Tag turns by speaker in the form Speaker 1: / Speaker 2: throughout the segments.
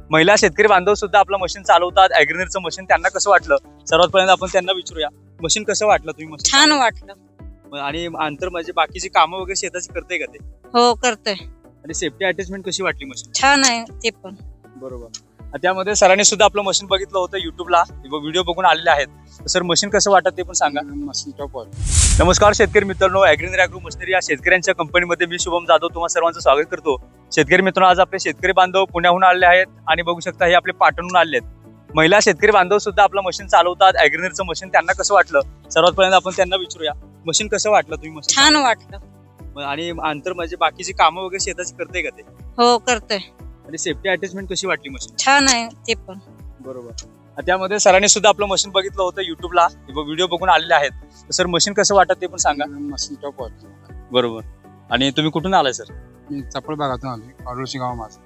Speaker 1: महिला शेतकरी बांधव सुद्धा आपलं मशीन चालवतात. ॲग्रिनरचं मशीन त्यांना कसं वाटलं सर्वात पहिल्यांदा आपण त्यांना विचारूया. मशीन कसं वाटलं तुम्ही मशीन?
Speaker 2: छान वाटलं.
Speaker 1: आणि अंतर म्हणजे बाकीची कामं वगैरे शेताची करते का ते?
Speaker 2: हो करते.
Speaker 1: आणि सेफ्टी अटॅचमेंट कशी वाटली मशीन?
Speaker 2: छान आहे ते पण.
Speaker 1: बरोबर. त्यामध्ये सरांनी सुद्धा आपलं मशीन बघितलं होतं युट्यूबला, व्हिडिओ बघून आलेले आहेत. सर मशीन कसं वाटत ते पण सांगा.
Speaker 3: Machine top.
Speaker 1: नमस्कार शेतकरी मित्रांनो, ॲग्रिनर ॲग्रो मशिनरी या शेतकऱ्यांच्या कंपनीमध्ये मी शुभम जाधव तुम्हा सर्वांचं स्वागत करतो. शेतकरी मित्रांनो, आज आपले शेतकरी बांधव पुण्याहून आलेले आहेत आणि बघू शकता हे आपले पाटणहून आले आहेत. महिला शेतकरी बांधव सुद्धा आपलं मशीन चालवतात. ॲग्रिनरचं मशीन त्यांना कसं वाटलं सर्वात पहिल्यांदा आपण त्यांना विचारूया. मशीन कसं वाटलं तुम्ही मशीन?
Speaker 2: छान वाटलं.
Speaker 1: आणि अंतर म्हणजे बाकीची कामं वगैरे शेताची करते का ते?
Speaker 2: हो करते.
Speaker 1: आणि सेफ्टी अटॅचमेंट कशी वाटली मशीन?
Speaker 2: छान आहे ते पण.
Speaker 1: बरोबर. त्यामध्ये सरांनी सुद्धा आपलं मशीन बघितलं होतं युट्यूबला, व्हिडिओ बघून आलेले आहेत. सर मशीन कसं वाटत ते पण सांगा.
Speaker 3: Machine top.
Speaker 1: बरोबर. आणि तुम्ही कुठून आलाय सर?
Speaker 3: मी चपळ भागातून आलोय, पाडोशी गाव माझं.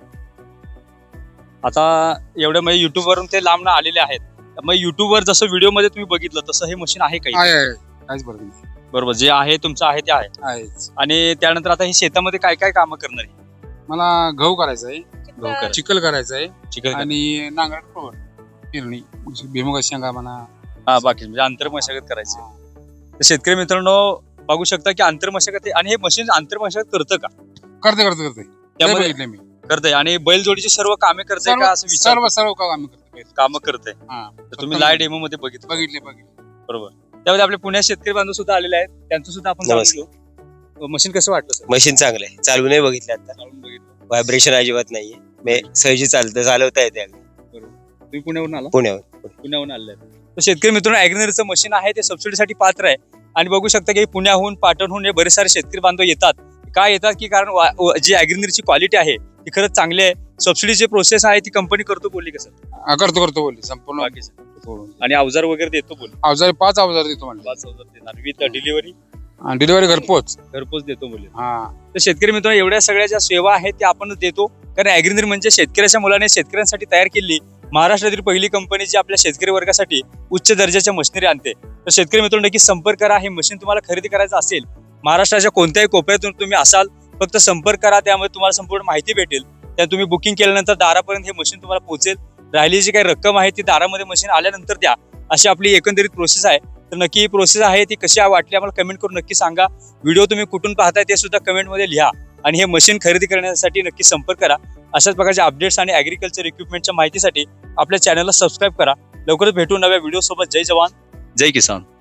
Speaker 1: आता एवढं म्हणजे युट्यूब वरून ते लांब आलेले आहेत. मग युट्यूबवर जसं व्हिडिओ मध्ये तुम्ही बघितलं तसं हे मशीन आहे काही?
Speaker 3: आहे काहीच बरं नाही.
Speaker 1: बरोबर. जे आहे तुमचं आहे ते आहे.
Speaker 3: आहेच.
Speaker 1: आणि त्यानंतर आता हे शेतामध्ये काय काय कामं करणार आहे?
Speaker 3: मला गहू करायचा आहे,
Speaker 1: गहू करा.
Speaker 3: चिखल करायचा आहे
Speaker 1: चिकन
Speaker 3: आणि नांगरट पेरणी, भुईमुगाच्या शेंगा म्हणा.
Speaker 1: हा, बाकी म्हणजे आंतर मशागत करायची. तर शेतकरी मित्रांनो बघू शकता की आंतर मशागत आणि हे मशीन आंतर मशागत करतं का?
Speaker 3: करते
Speaker 1: त्यामध्ये
Speaker 3: बघितलं मी.
Speaker 1: करतंय आणि बैलजोडीची सर्व कामे करते का असं विचार?
Speaker 3: सर्व काम करते.
Speaker 1: कामं करते.
Speaker 3: हा,
Speaker 1: तर तुम्ही लाईव्ह डेमो मध्ये बघितलं?
Speaker 3: बघितले.
Speaker 1: बरोबर. त्यामध्ये आपले पुण्यात शेतकरी बांधव सुद्धा आलेले आहेत, त्यांचं सुद्धा आपण जाणून घेऊ. मशीन कसं वाटलं सर?
Speaker 4: मशीन चांगलं आहे, चालू नाही बघितलं आता.
Speaker 1: चालवून बघितलं.
Speaker 4: व्हायब्रेशन अजिबात नाहीये, सहजी चालवता येते अगदी.
Speaker 1: तुम्ही पुण्यावरून आला?
Speaker 4: पुण्यावर
Speaker 1: आलेले आहेत. तर शेतकरी मित्रांनो, ॲग्रिनरचं मशीन आहे ते सबसिडीसाठी पात्र आहे. आणि बघू शकता की पुण्याहून पाटणहून हे बरेच सारे शेतकरी बांधव येतात. काय येतात की कारण जी ॲग्रिनरची क्वालिटी आहे ती खरंच चांगली आहे. सबसिडीची प्रोसेस आहे ती कंपनी करतो बोलली का सर?
Speaker 3: करतो बोलली संपूर्ण.
Speaker 1: बाकी सर आणि अवजार वगैरे देतो बोलली.
Speaker 3: अवजार 5 अवजार देतो म्हणजे.
Speaker 1: 5 अवजार देणार विथ डिलिव्हरी.
Speaker 3: डिलिव्हरी घरपोच
Speaker 1: देतो बोलले.
Speaker 3: हा.
Speaker 1: तर शेतकरी मित्रांनो, एवढ्या सगळ्या ज्या सेवा आहेत त्या आपण देतो. कारण ॲग्रिनर म्हणजे शेतकऱ्याच्या मुलाने शेतकऱ्यांसाठी तयार केली महाराष्ट्रातील पहिली कंपनी जी आपल्या शेतकरी वर्गासाठी उच्च दर्जाच्या मशिनरी आणते. तर शेतकरी मित्रांनो नक्की संपर्क करा. हे मशीन तुम्हाला खरेदी करायचं असेल, महाराष्ट्राच्या कोणत्याही कोपऱ्यातून तुम्ही असाल, फक्त संपर्क करा. त्यामुळे तुम्हाला संपूर्ण माहिती भेटेल. त्या तुम्ही बुकिंग केल्यानंतर दारापर्यंत हे मशीन तुम्हाला पोहोचेल. राहिली जी काही रक्कम आहे ती दारामध्ये मशीन आल्यानंतर द्या, अशी आपली एकंदरीत प्रोसेस आहे. तर नक्की ही प्रोसेस आहे ती कशी वाटली आम्हाला कमेंट करून नक्की सांगा. व्हिडिओ तुम्ही कुठून पाहताय ते सुद्धा कमेंटमध्ये लिहा. आणि हे मशीन खरेदी करण्यासाठी नक्की संपर्क करा. अशाच प्रकारच्या अपडेट्स आणि ॲग्रिकल्चर इक्विपमेंटच्या माहितीसाठी आपल्या चॅनलला सबस्क्राईब करा. लवकरच भेटू नव्या व्हिडिओ सोबत. जय जवान जय किसान.